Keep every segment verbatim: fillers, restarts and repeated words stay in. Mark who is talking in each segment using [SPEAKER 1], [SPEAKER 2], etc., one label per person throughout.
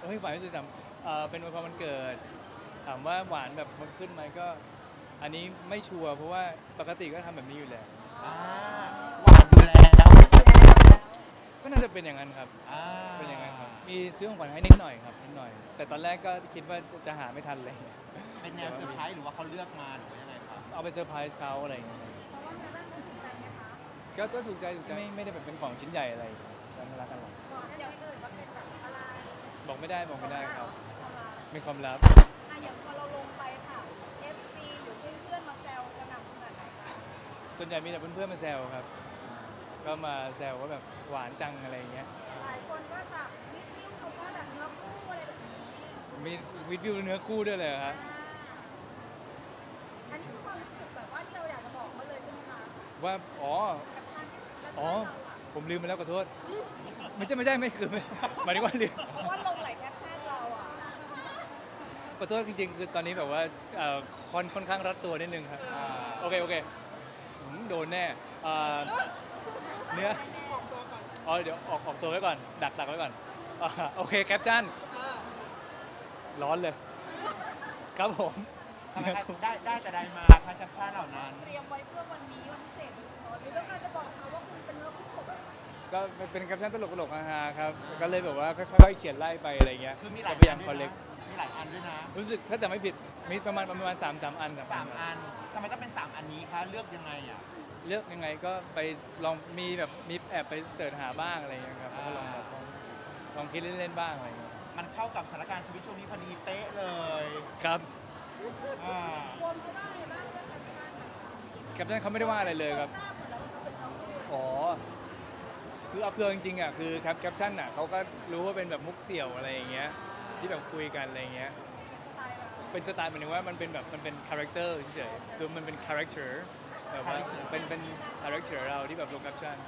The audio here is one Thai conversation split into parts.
[SPEAKER 1] เฮ้ยหวานที่สุดสำเอ่อเป็นวันวันเกิดถามว่าหวานแบบมันขึ้นไหมก็อันนี้ไม่ชัวร์เพราะว่าปกติก็ทำแบบนี้อยู่แล้ว
[SPEAKER 2] อ่าหวานอยู่แล้ว
[SPEAKER 1] ก็น่าจะเป็นอย่างนั้นครับ
[SPEAKER 2] อ่า
[SPEAKER 1] เป็นอย่างนั้นครับมีซื้อของขวัญให้นิดหน่อยครับนิดหน่อย แต่ตอนแรกก็คิดว่าจะจะหาไม่ทันเลย
[SPEAKER 2] เป็นแนวเซอร์ไพรส์หรือว่าเขาเลือกมาหรือว่ายังไงครับ
[SPEAKER 1] เอาไปเซอร์ไพรส์เขาอะไรอย่างเงี้ย
[SPEAKER 3] เพราะว่าแม่บ้านคุณถูกใจไหมคะ
[SPEAKER 1] ก็ก็ถูกใจถูกใจไม่ไม่ได้แบบเป็นของชิ้นใหญ่อะไรกันรักกันหรอก
[SPEAKER 3] บอกได้ไหมเอ่ยว่าเป็นแบบอะไร
[SPEAKER 1] บอกไม่ได้บอกไม่ได้ครับ
[SPEAKER 3] อะไร
[SPEAKER 1] มีความลับ
[SPEAKER 3] อ่ะอย่างพอเราลงไปค่ะ เอฟ ซี หรือเพื่อนๆมาแซวกระหน่ำขนาดไหนคะ
[SPEAKER 1] ส่วนใหญ่มีแต่เพื่อนๆมาแซวครับ ก็มาแซวว่าแบบหวานจังอะไรอย่างเงี้ย
[SPEAKER 3] หลายคนก็แบบนิดนิ้วเขาว่าแบบเนื้อคู่อะไรแบบนี้
[SPEAKER 1] มีวิดวิวเนื้อคู่ด้วยเลยเหรอครับ
[SPEAKER 3] อ่าอันนี้คือความรู้สึกแบบว่าที่เราอยากจะบอกเขาเลยใช่ไหมคะ
[SPEAKER 1] ว่าอ๋อ
[SPEAKER 3] กับชาญที่ชิดแล้ว
[SPEAKER 1] อ๋อ
[SPEAKER 3] เราอะ
[SPEAKER 1] ผมลืมไปแล้วขอโทษไม่ใช่ไม่ใช่ไม่คือไม่หมายถึงว่าลืม
[SPEAKER 3] เพราะว่าลงหลายแคปชั่นเราอ่ะ
[SPEAKER 1] ขอโทษจริงๆคือตอนนี้แบบว่าเอ่อค่อนค่อนข้างรัดตัวนิดนึงครับโอเคโอเคหืมโดนแน่เอ่อเนื้ออ๋อเดี๋ยวออกออกตัวไว้ก่อนดักดักไว้ก่อนอ่าโอเคแคปชั่นร้อนเลย ครับผม
[SPEAKER 2] ทำไมคะได้ได้แต่ใดมาคะแคปชั่นเหล่านั้น
[SPEAKER 3] เตรียมไว้เพื่อวันนี้วันพิเศษโดยเฉพาะหรือต้องการจะบอกเขาว่าคุณเป็นเนื้อคู่แบบ
[SPEAKER 1] ก็เป็นแคปชั่นตลกๆฮาๆครับ ก็เลยแบบว่าค่อยๆเขียนไล่ไปอะไรเงี้ย
[SPEAKER 2] คือมีหลาย
[SPEAKER 1] จะพยายาม
[SPEAKER 2] อัน
[SPEAKER 1] คอล
[SPEAKER 2] ด้
[SPEAKER 1] เล
[SPEAKER 2] วย
[SPEAKER 1] ก
[SPEAKER 2] นะมีหลายอันด้วยนะ
[SPEAKER 1] รู้สึกถ้าจะไม่ผิดมีประมาณประมาณสามสามอันครับ
[SPEAKER 2] สามอันทำไมต้องเป็นสามอันนี้คะเลือกยังไงอ่ะ
[SPEAKER 1] เลือกยังไงก็ไปลองมีแบบมีแอบไปเสิร์ชหาบ้างอะไรเงี้ยครับแล้วก็ลองแบบลองลองคิดเล่นๆบ้างอะไรเงี้ย
[SPEAKER 2] มันเข้ากับสถานการณ์ชีวิตช่วงนี้พอดีเป๊ะเลย
[SPEAKER 1] ครับ
[SPEAKER 2] อ่า
[SPEAKER 3] รวมเขาได้ไงบ้างเรื่องแคปชั่นอะ
[SPEAKER 1] แคปชั่นเขาไม่ได้ว่าอะไรเลยครับ
[SPEAKER 3] ทราบหมดแล้วว่าเขาเป็นน้องคู่
[SPEAKER 1] อ๋อคือเอาคือจริงๆอ่ะคือแคปแคปชั่นอ่ะเขาก็รู้ว่าเป็นแบบมุกเสี่ยวอะไรอย่างเงี้ยที่แบบคุยกันอะไรเงี้ย
[SPEAKER 3] เป็นสไตล์เรา
[SPEAKER 1] เป็นสไตล์หมายถึงว่ามันเป็นแบบมันเป็นคาแรคเตอร์เฉยๆคือมันเป็นคาแรคเตอร์แบบว่าเป็นเป็นคาแรคเตอร์เราที่แบบลงแคปชั่น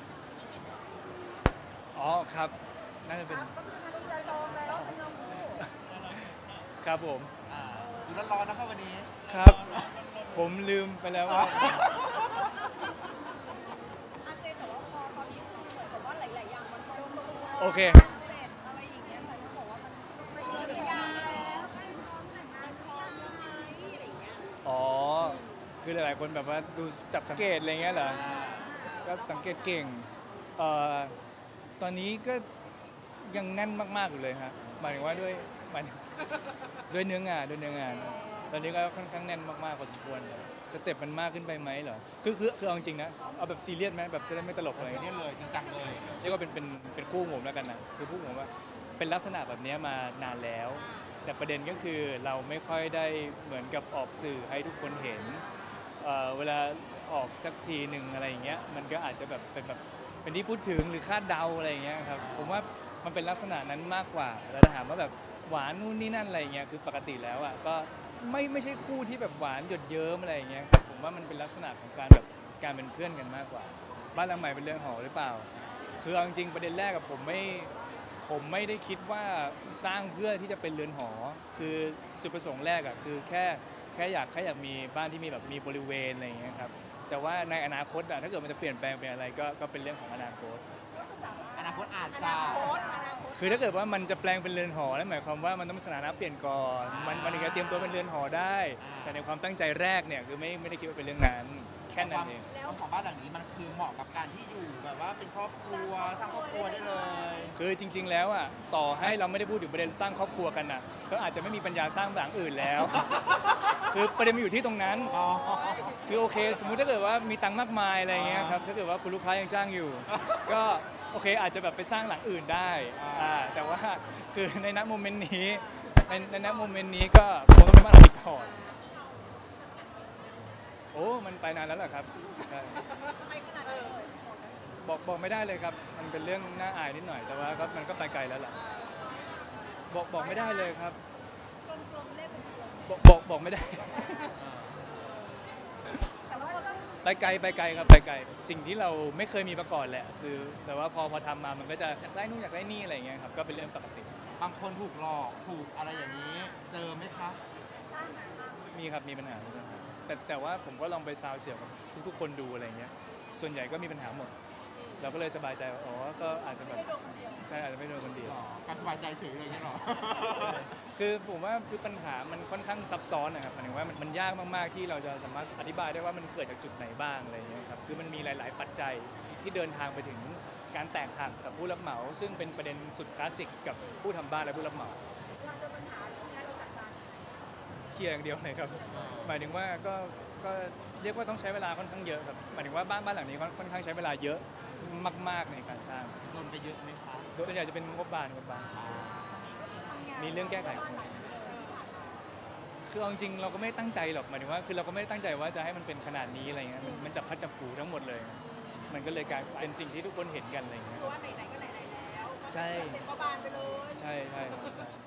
[SPEAKER 1] อ๋อครับน่าจะเป็น
[SPEAKER 3] ก็คือทางใจจองแล้วเป็นน้องคู่
[SPEAKER 1] ครับผม
[SPEAKER 2] อ่าดูร้อนๆนะครับวันนี้
[SPEAKER 1] ครับ ผมลืมไปแล้วว่า
[SPEAKER 3] อาเจนแต่ว่าพอตอนนี้คือเหมือนกับว่าหลายๆอย่างมันลงตัว
[SPEAKER 1] โอเค
[SPEAKER 3] เสร็จอะไรอย่างเงี้ยแต่เขาบอกว่ามันไม่เกินยาแล้วใกล้พร้อมแต่งงานพร้อมแล้วไหมอะไรอย่างเงี้ย
[SPEAKER 1] อ๋อคือหลายๆคนแบบว่าดูจับสังเกตอะไรเงี้ยเหรอก็สังเกตเก่งเอ่อตอนนี้ก็ยังแน่นมากๆอยู่เลยฮะหมายถึงว่าด้วยหมายถึงด้วยเนื้องานด้วยเนื้องาน ตอนนี้ก็ค่อนข้างแน่นมากๆพอสมควรสเต็ปมันมากขึ้นไปไหมเหรอคือคือคือเอาจริงๆนะเอาแบบซีเรียสไหมแบบจะได้ไม่ตลกอะไร
[SPEAKER 2] นี่
[SPEAKER 1] เงี้ย
[SPEAKER 2] เลยจริงจังเลย
[SPEAKER 1] เรียกว่าเป็นเป็นเป็นคู่ผมแล้วกันนะคือคู่ผมว่าเป็นลักษณะแบบนี้มานานแล้ว แต่ประเด็นก็คือเราไม่ค่อยได้เหมือนกับออกสื่อให้ทุกคนเห็นเอ่อเวลาออกสักทีหนึ่งอะไรอย่างเงี้ยมันก็อาจจะแบบเป็นแบบเป็นที่พูดถึงหรือคาดเดาอะไรอย่างเงี้ยครับผมว่ามันเป็นลักษณะนั้นมากกว่าแล้วถ้าถามว่าแบบหวานนู่นนี่นั่นอะไรอย่างเงี้ยคือปกติแล้วอ่ะก็ไม่ไม่ใช่คู่ที่แบบหวานหยดเยิ้มอะไรอย่างเงี้ยครับผมว่ามันเป็นลักษณะของการแบบการเป็นเพื่อนกันมากกว่า บ้านหลังใหม่เป็นเรือนหอหรือเปล่า คือเอาจริงๆประเด็นแรกกับผมไม่ผมไม่ได้คิดว่าสร้างเพื่อที่จะเป็นเรือนหอ คือจุดประสงค์แรกอะคือแค่แค่อยากแค่อยากมีบ้านที่มีแบบมีบริเวณอะไรอย่างเงี้ยครับ แต่ว่าในอนาคตอะถ้าเกิดมันจะเปลี่ยนแปลงเป็นอะไรก็ก็เป็นเรื่องของอนาคต
[SPEAKER 2] อนาคตอาจ
[SPEAKER 3] อ
[SPEAKER 2] จะ
[SPEAKER 3] นาคตอนาคต
[SPEAKER 1] คือถ้าเกิดว่ามันจะแปลงเป็นเรือนหอนั่นหมายความว่ามันต้องมีสถานะเปลี่ยนก่อน มันมันถึงจะเตรียมตัวเป็นเรือนหอได้ แต่ในความตั้งใจแรกเนี่ยคือไม่ไม่ได้คิดว่าเป็นเรื่องนั้น แค่นั้นเอง
[SPEAKER 2] แล้วของบ้านหลังนี้มันคือเหมาะกับการที่อยู่แบบว่าเป็นครอบครัวสร้างครอบครัวได้เลย
[SPEAKER 1] คือจริง ๆ แล้วอ่ะต่อให้เราไม่ได้พูดถึงประเด็นสร้างครอบครัวกันอ่ะก็อาจจะไม่มีปัญญาสร้างหลังอื่นแล้ว คือประเด็นมันอยู่ที่ตรงนั้น
[SPEAKER 2] อ๋อ
[SPEAKER 1] คือโอเค สมมุติถ้าเกิดว่ามีตังค์มากมายอะไรเงี้ยครับถ้าเกิดว่าคุณลูกค้ายังจ้างอยู่ ก็โอเคอาจจะแบบไปสร้างหลังอื่นได้อ่าแต่ว่าคือในณโมเมนต์นี้ในในณโมเมนต์นี้ก็คงต้องเป็นบ้านหลังนี้ก่อนโอ้มันไปนานแล้วเหรอครับใช่
[SPEAKER 3] ไปขนาดไหนเลย
[SPEAKER 1] บอกบอกไม่ได้เลยครับ มันเป็นเรื่องน่าอายนิดหน่อย แต่ว่าก็มันก็ไปไกลแล้วล่ะ บอกบอกไม่ได้เลยครับ
[SPEAKER 3] กลมๆเล่มเป็นกลม
[SPEAKER 1] บอกบอกบอกไม่ได้
[SPEAKER 3] แต่ว่าพอพูด
[SPEAKER 1] ไปไกลไปไกลครับไปไกล สิ่งที่เราไม่เคยมีมาก่อนแหละ คือ แต่ว่าพอพอทำมา มันก็จะอยากได้นู่นอยากได้นี่อะไรอย่างเงี้ยครับ ก็เป็นเรื่องปกติ
[SPEAKER 2] บางคนถูกหลอกถูกอะไรอย่างนี้ เจอไหมคะ
[SPEAKER 3] ช่างนะช่าง
[SPEAKER 1] มีครับ มีปัญหามีปัญหาแต่แต่ว่าผมก็ลองไปซาวเสียงกับทุกๆ คนดูอะไรอย่างเงี้ย ส่วนใหญ่ก็มีปัญหาหมด เราก็เลยสบายใจว่าอ๋อ ก็อาจจะแบ
[SPEAKER 3] ไม่
[SPEAKER 1] บ
[SPEAKER 3] ได้โดนคนเดียว
[SPEAKER 1] ใช่อาจจะไม่โดนคนเดียว
[SPEAKER 2] หรอการบายใจเฉยเลยนี่หรอ
[SPEAKER 1] คือผมว่าคือปัญหามันค่อนข้างซับซ้อนนะครับหมายถึงว่ามันมันยากมากๆที่เราจะสามารถอธิบายได้ว่ามันเกิดจากจุดไหนบ้างอะไรอย่างเงี้ยครับคือมันมีหลาย ๆ ปัจจัยที่เดินทางไปถึงการแตกหักกับผู้รับเหมา ซึ่งเป็นประเด็นสุดคลาสสิกกับผู้ทำบ้านและผู้รับเหมา
[SPEAKER 3] เราเจอปัญหาตรงนี้เราจัดการ
[SPEAKER 1] เคลียร์อย่างเดียวเลยครับ หมายถึงว่าก็ก็เรียกว่าต้องใช้เวลาค่อนข้างเยอะครับหมายถึงว่าบ้านบ้านหลังนี้ค่อนข้างใช้เวลาเยอะมาก ๆในการสร้าง
[SPEAKER 2] โดนไปเยอะไหมคะ
[SPEAKER 1] ส่วนใหญ่จะเป็นงบบานงบบาน
[SPEAKER 3] ก็คือทำงาน
[SPEAKER 1] มีเรื่องแก้ไข
[SPEAKER 3] บ้านหลังนี้เลยที่ผ่านมา
[SPEAKER 1] คือเอาจริงๆเราก็ไม่ได้ตั้งใจหรอกหมายถึงว่าคือเราก็ไม่ได้ตั้งใจว่าจะให้มันเป็นขนาดนี้อะไรเงี้ยมันมันจับพัดจับผูทั้งหมดเลย มันก็เลยกลายเป็นสิ่งที่ทุกคนเห็นกันอะไรเงี้ย
[SPEAKER 3] คือว่าไหนๆก็ไหนๆแล้ว
[SPEAKER 1] ใช่
[SPEAKER 3] เต็มกระบาลไปเลย
[SPEAKER 1] ใช่ใช่ครับ